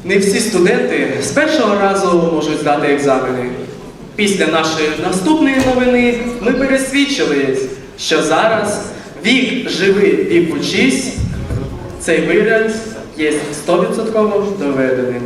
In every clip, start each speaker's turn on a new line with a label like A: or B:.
A: Не всі студенти з першого разу можуть здати екзамени. Після нашої наступної новини ми пересвідчились, що зараз вік живи, вік учись, цей вираз є 100% доведеним.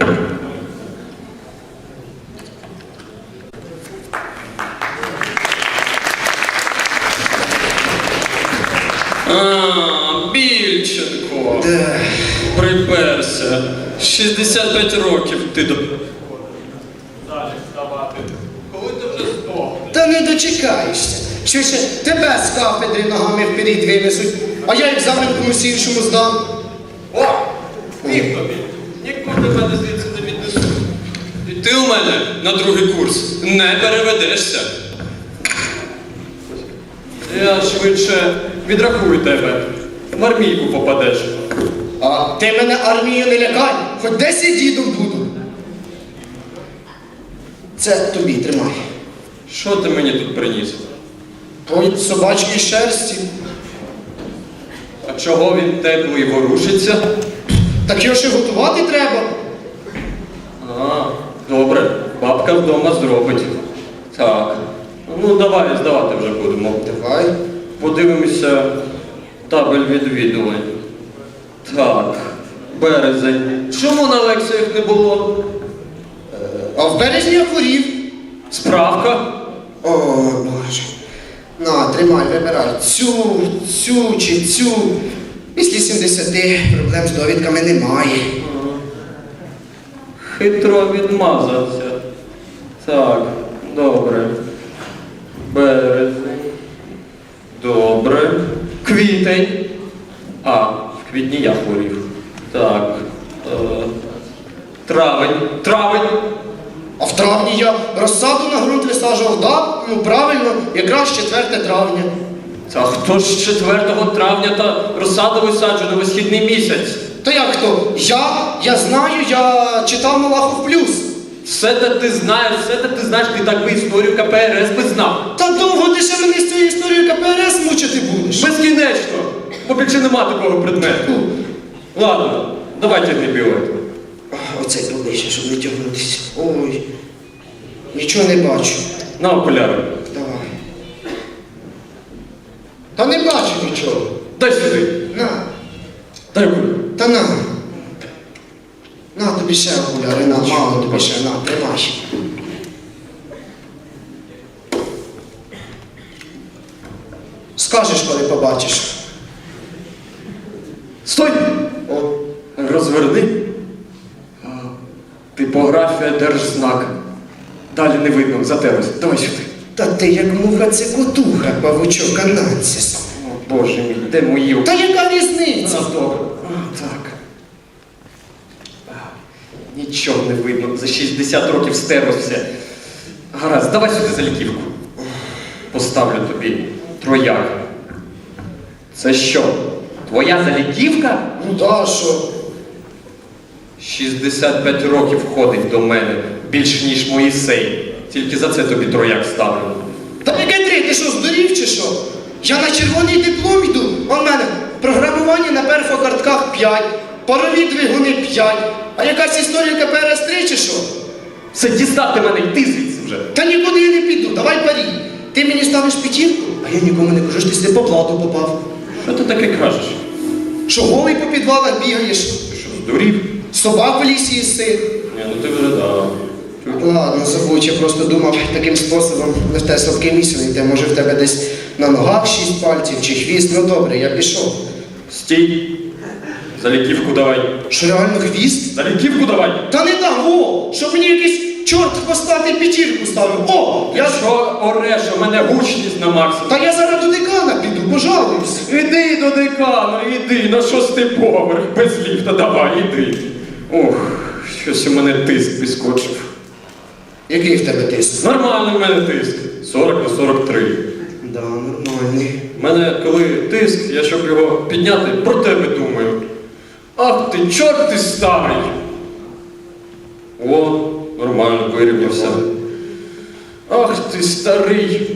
B: Більченко. Приперся. 65 років ти до... Далі вставати. Коли ти вже здохнеш?
C: Та не дочекаєшся. Швидше тебе з кафедри ногами вперед винесуть, а я екзамен комусь іншому здам.
B: О! Ні тобі. Нікуди мене звідси не віднесуть. І ти у мене на другий курс не переведешся. Я швидше відрахую тебе. В армійку попадеш.
C: А ти мене армією не лякай, хоч 10 дідом буду. Це тобі, тримай.
B: Що ти мені тут приніс?
C: По собачкій шерсті.
B: А чого він теплий ворушиться?
C: Так його ще готувати треба.
B: А, добре. Бабка вдома зробить. Так. Ну, давай, здавати вже будемо.
C: Давай.
B: Подивимося табель відвідувань. Так, березень. Чому на лекціях не було?
C: А в березні я хворів.
B: Справка?
C: О, Боже. На, тримай, вибирай. Цю чи цю. Після 70 проблем з довідками немає.
B: Хитро відмазався. Так, добре. Березень. Добре. Квітень. А, в квітні я хворів. Так. Травень. Травень.
C: А в травні я розсаду на ґрунт висаджував, да? Ну правильно, якраз 4 травня.
B: Та хто ж 4 травня та розсаду висаджує на висхідний місяць?
C: То як хто? Я знаю, я читав Малахов плюс.
B: Все те ти знаєш, ти так би історію КПРС би знав.
C: Та довго ти ще мене з цією історією КПРС мучити будеш?
B: Безкінечно, бо більше нема такого предмету. Ладно, давайте не білет.
C: Оцей поближче, щоб не тягнутися. Ой, нічого не бачу.
B: На окуляри.
C: Давай. Та не бачу нічого.
B: Дай сюди.
C: На.
B: Дай окуляри.
C: Та на. На тобі ще окуляри, на, мало тобі ще, на, тримай. Скажеш, коли побачиш.
B: Стой!
C: О,
B: Розверни. Типографія держзнак. Далі не видно, затерлось. Давай сюди.
C: та ти як муха цикотуха, павучок анансіс.
B: О, Боже мій, де мої
C: Та яка різниця?
B: добре. Так. Нічого не видно, за 60 років стерлося все. Гаразд, давай сюди заліківку. Поставлю тобі трояк. Це що? Твоя заліківка?
C: Ну да, що?
B: 65 років ходить до мене, більш ніж Моїсей. Тільки за це тобі трояк ставлю.
C: Та яке 3, ти що, здурів чи що? Я на червоний диплом йду, а в мене програмування на перфокартках 5, парові двигуни 5, а якась історія КПРС 3 чи що?
B: Все, дістати мене, йди звідси вже.
C: Та нікуди я не піду, давай парі. Ти мені ставиш п'ятірку, а я нікому не кажу, що ти сюди по плату попав.
B: Що ти таке кажеш?
C: Що голий по підвалах бігаєш,
B: Ти що, здурів?
C: собак в лісі їси.
B: Ні, ну ти вже да.
C: Ладно, забудь, я просто думав таким способом, не в те слабке місце не йде. Може в тебе десь на ногах 6 пальців чи хвіст. Ну добре, я пішов.
B: Стій. Заліківку давай.
C: Що реально хвіст?
B: Заліківку давай.
C: Та не дам, о! Щоб мені якийсь чорт хвостатий п'ятірку ставив. О! Я...
B: Що ореш, у мене гучність на максимум.
C: Та я зараз до декана піду, пожалуйся.
B: Іди до декана, іди, на 6-й поверх, без ліфта, давай, іди. Ох, щось у мене тиск підскочив.
C: Який в тебе тиск?
B: Нормальний в мене тиск. 40 на 43.
C: Да, нормальний.
B: У мене, коли тиск, я щоб його підняти, про тебе думаю. Ах ти, чорт ти старий! О, нормально, вирівнявся. Ах ти, старий,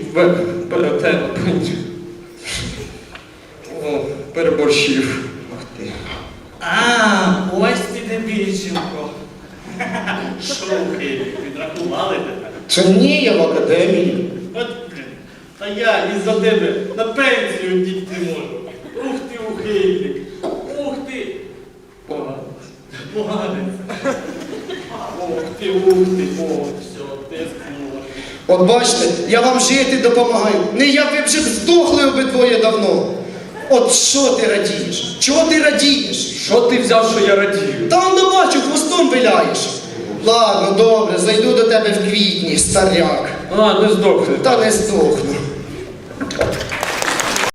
B: О, переборщив.
C: Ах ти.
D: А, ось ти де Більченко. Шухи, підрахували тебе.
C: Що ні, я в академії.
D: От, блін, та я із-за тебе на пенсію дійти можу. Ух ти, ухильник. Ух ти. Поганець. Ух ти, о, все, ти зможеш.
C: От бачите, я вам жити допомагаю. Не я, ви вже здохли обидвоє давно. От що ти радієш? Чого ти радієш?
B: Що ти взяв, що я радію?
C: Та он не бачу, хвостом виляєш. Ладно, добре, зайду до тебе в квітні, старяк.
B: А, не здохни.
C: Та не здохну.